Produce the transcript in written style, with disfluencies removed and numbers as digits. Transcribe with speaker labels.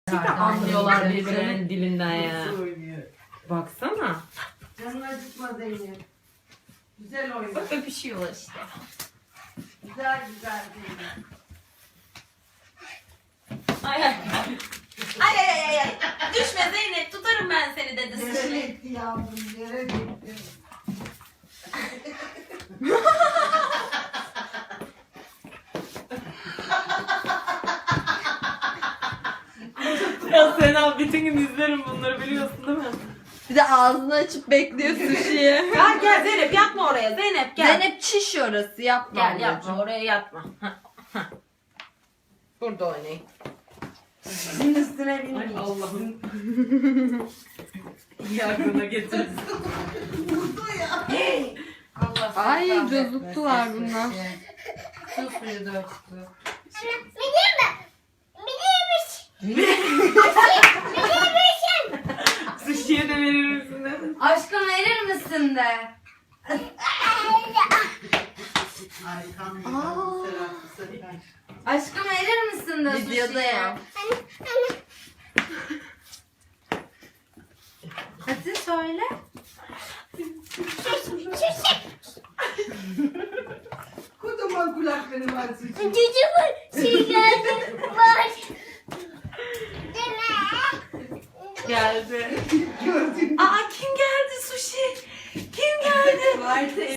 Speaker 1: Anlıyorlar birbirinin dilinden ya. Baksana.
Speaker 2: Canın acıtma Zeynep. Güzel oyna.
Speaker 1: Bak öpüşüyorlar işte.
Speaker 2: Güzel güzel Zeynep.
Speaker 1: Ay ay. Ay ay ay ay. Düşme Zeynep, tutarım ben seni dedi
Speaker 2: Yere
Speaker 1: sushi.
Speaker 2: gitti yavrum, yere gitti.
Speaker 1: Ya Sena bütün gün izlerim bunları biliyorsun değil mi?
Speaker 3: Bir de ağzını açıp bekliyor sushi'yi.
Speaker 1: Gel gel Zeynep yatma oraya Zeynep gel.
Speaker 3: Zeynep çiş orası yapma.
Speaker 1: Gel
Speaker 3: ablacığım.
Speaker 1: yapma oraya yatma. Burada oynayın.
Speaker 2: Sizin üstüne
Speaker 1: Ay
Speaker 2: binmiş.
Speaker 1: Allah'ım. Yargına getirsin.
Speaker 2: Vurdu ya. Allah
Speaker 3: Ay,
Speaker 2: seni
Speaker 3: cozuttular
Speaker 2: kahretmesin.
Speaker 3: bunlar.
Speaker 2: Su suyu döktü.
Speaker 1: Sushi'ye de verir misin dedim.
Speaker 3: Aşkım verir misin de?
Speaker 2: Ay kan
Speaker 3: Aa.
Speaker 2: Serap.
Speaker 3: Aşkım verir misin de
Speaker 1: Videoda ya.
Speaker 3: Hadi söyle.
Speaker 2: Kocaman kulakları var suçun.
Speaker 1: Geldi.
Speaker 2: Gördün mü?
Speaker 1: Aa kim geldi Sushi? Kim geldi?